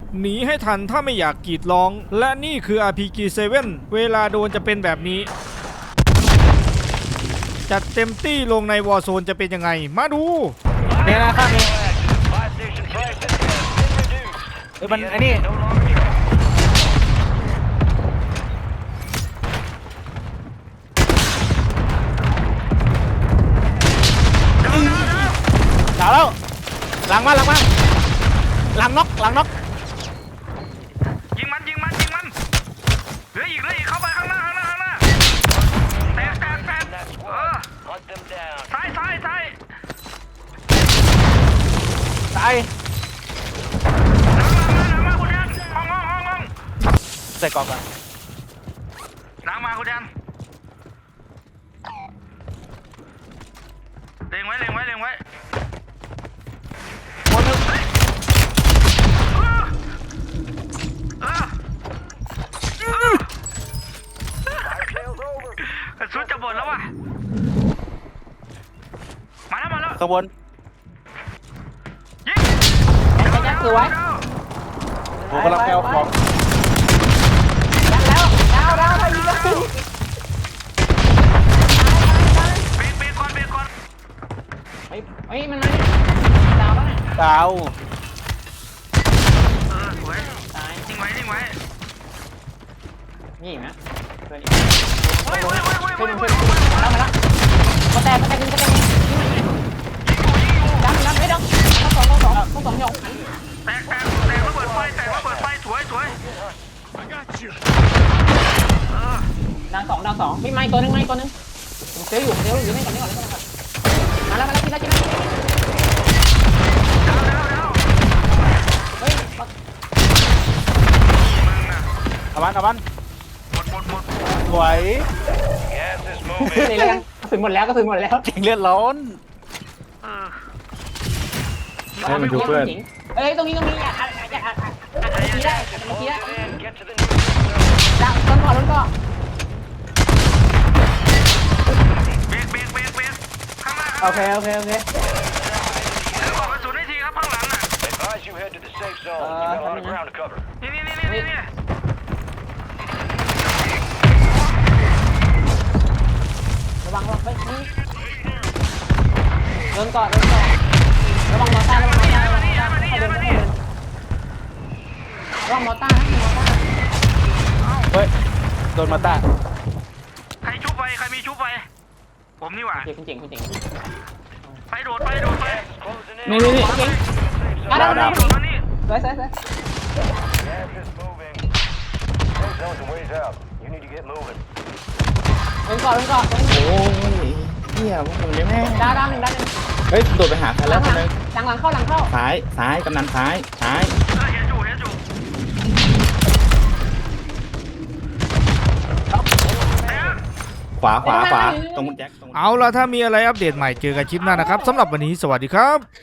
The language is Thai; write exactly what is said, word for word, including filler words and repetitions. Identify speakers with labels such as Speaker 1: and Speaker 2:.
Speaker 1: หนีให้ทันถ้าไม่อยากกรีดร้องและนี่คือ อาร์ พี จี เซเว่น เวลาโดนจะเป็นแบบนี้จัดเต็มตี้ลงในวอร์โซนจะเป็นยังไงมาดู
Speaker 2: เนี่ยนะข้างนี้เออมันไอ้นี่ดาวแล้วหลังมาหลังมาหลังน็อกหลังน็อก
Speaker 3: ยิงมันยิงมันยิงมันเหลืออีกเหลืออีกเข้าไปข้างหน้าข้างหน้าข้างหน้าแตกแตกแตกเออซ้ายซ้ายซ้าย
Speaker 2: ตาย
Speaker 3: น้ำมาน้ำมาคุณยันห้องห้องห้องห้อง
Speaker 2: ใส่กรอบกัน
Speaker 3: น้ำมาคุณยันเล็งไว้เล็งไว้เล็งไว้
Speaker 2: คนนึง
Speaker 3: สุดจะหมดแล้ววะมาแล้วมาแล้ว
Speaker 2: ข้างบน
Speaker 3: ยิง
Speaker 4: ยัดยัดคือไว้
Speaker 2: ผมกำลังไปเอาของ
Speaker 4: ยัดแล้วดาวดาวดาวยิงแล้ว
Speaker 3: เบรกเบรกก่อนเบรกก่อน
Speaker 4: เฮ้ยเฮ้ยมันมาดาวแล้วเนี่ย
Speaker 2: ดาว
Speaker 3: เออสวย
Speaker 4: ตาย
Speaker 3: ยิงไว้ยิงไว้
Speaker 4: นี่นะเพื่อน
Speaker 3: เฮ้ยเฮ้ยเฮ้ยเฮ้ย
Speaker 4: เพื่อน
Speaker 3: เฮ้ย
Speaker 4: เพื่อนมาแล้วมาแล้วมาแต่มาแต่ยิงมาแต่ยิงยิงมายิงดันดันไม่ดันต้องสองต้องสองต้องสองหยก
Speaker 3: แตกแตกแตกระเบิดไฟแตกระเบิดไฟสวยสวยเออ
Speaker 4: ดันสองดันสองไม่ไม่ตัวนึงไม่ตัวนึงผมเซลอยู่ผมเซลอยู่นี่ก่อนนี่ก่อนนี่ก่อนมาแล้วมาแล้วกินแล้วกินแล้ว
Speaker 3: ดาวดาวดาว
Speaker 4: เฮ้ย
Speaker 3: มึงน่ะ
Speaker 2: เอามันเอามัน
Speaker 3: หมดหมดหมด
Speaker 2: สวย
Speaker 4: นี่เลยกระสุนหมดแล้วกระสุนหมดแล้ว
Speaker 2: จริงเลือดร้อน
Speaker 3: เออ
Speaker 4: ให้มันดูเพื่อนเอ้ยตรงนี้ตรงนี้อ่ะอ่ะอ่ะอ่ะอ่ะอ่ะทีได้ทีได้ดันต้นก่อนต้นก่อน
Speaker 3: เบรกเบรกเบรกเบรกข้างหน้า
Speaker 4: โอเคโอเคโอเค
Speaker 3: แล้วบอกกระสุนให้ทีครับข้างหลังน่ะนี่นี่นี่นี่นี่
Speaker 4: ระวังระวังไปนี่เดินก่อนเดินก่อนระวังมอต้าระวังมอต้าระวังมอต้าระวังมอต้าระวังมอต้านะมอต้า
Speaker 2: เฮ้ยโดนมาต้า
Speaker 3: ใครชุบไปใครมีชุบไปผมนี่หว่า
Speaker 4: เจ๋งคุณเจ๋งคุณเจ๋ง
Speaker 3: ไปโดดไปโดดไป
Speaker 4: นี่นี่นี่เจ๋งมาแล้วมา
Speaker 3: โดดมานี่
Speaker 4: สวยสวยสวยเดินก่อนเดินก่อน
Speaker 5: โอ้ยเหี้ยพวกมึงเนี่ยแม่ง
Speaker 4: ดาวดาวหนึ่งดาวหนึ่ง
Speaker 5: เฮ้ยโดดไปหาใคร
Speaker 4: ห
Speaker 5: แล้
Speaker 4: ลั
Speaker 5: ว
Speaker 4: ง
Speaker 5: คน
Speaker 4: หลั
Speaker 5: นึ
Speaker 4: ง
Speaker 5: ง
Speaker 4: หลังหลังเข้าหลังเข้า
Speaker 5: ซ้ายซ้ายกำนันซ้ายซ้าย
Speaker 3: เออเห็นอยู่เห็นอยู่แต่
Speaker 5: ขวาขวาขวาตรงคุณแจ็คตรง
Speaker 1: เอาล่ะถ้ามีอะไรอัปเดตใหม่เจอกันคลิปหน้านะครับสำหรับวันนี้สวัสดีครับ